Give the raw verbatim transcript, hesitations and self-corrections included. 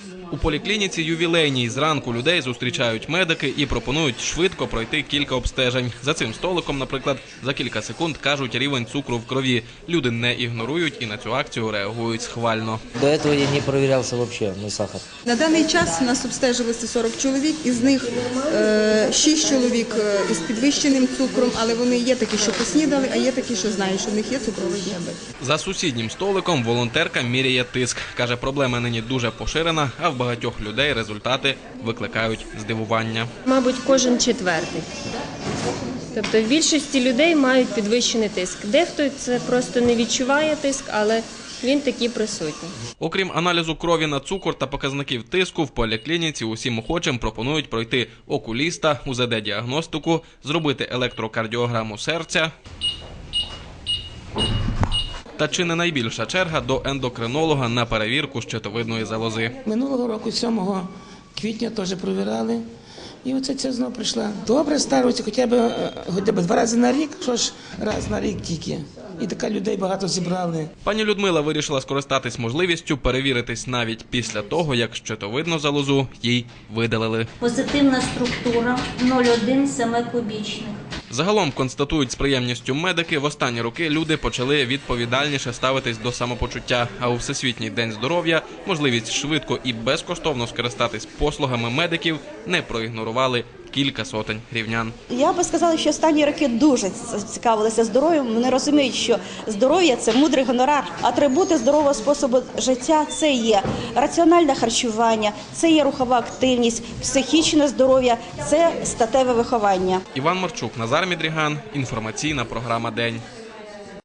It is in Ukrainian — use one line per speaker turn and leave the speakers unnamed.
У поліклініці ювілейній зранку людей зустрічають медики і пропонують швидко пройти кілька обстежень. За цим столиком, наприклад, за кілька секунд кажуть рівень цукру в крові. Люди не ігнорують і на цю акцію реагують схвально.
До цього я не перевірявся взагалі на сахар.
На даний час у нас обстежилося сорок чоловік, із них шість чоловік із підвищеним цукром, але вони є такі, що поснідали, а є такі, що знають, що в них є цукровий діабет.
За сусіднім столиком волонтерка міряє тиск. Каже, проблема нині дуже поширена, а в багатьох людей результати викликають здивування.
Мабуть, кожен четвертий. Тобто в більшості людей мають підвищений тиск. Дехто це просто не відчуває тиск, але він таки присутній.
Окрім аналізу крові на цукор та показників тиску, в поліклініці усім охочим пропонують пройти окуліста, у зет де-діагностику, зробити електрокардіограму серця. Та чи не найбільша черга до ендокринолога на перевірку щитовидної залози?
Минулого року, сьомого квітня, теж провіряли. І оце це знову прийшла. Добре, старується хоча б, хоча б два рази на рік, що ж раз на рік тільки. І така людей багато зібрали.
Пані Людмила вирішила скористатись можливістю перевіритись навіть після того, як щитовидну залозу їй видалили.
Позитивна структура нуль цілих одна сім кубічних.
Загалом, констатують з приємністю медики, в останні роки люди почали відповідальніше ставитись до самопочуття. А у Всесвітній день здоров'я можливість швидко і безкоштовно скористатись послугами медиків не проігнорували кілька сотень рівнян.
Я би сказала, що останні роки дуже цікавилися здоров'ям. Вони розуміють, що здоров'я – це мудрий гонорар. Атрибути здорового способу життя – це є раціональне харчування, це є рухова активність, психічне здоров'я, це статеве виховання.
Іван Марчук, Назар Мідріган, інформаційна програма «День».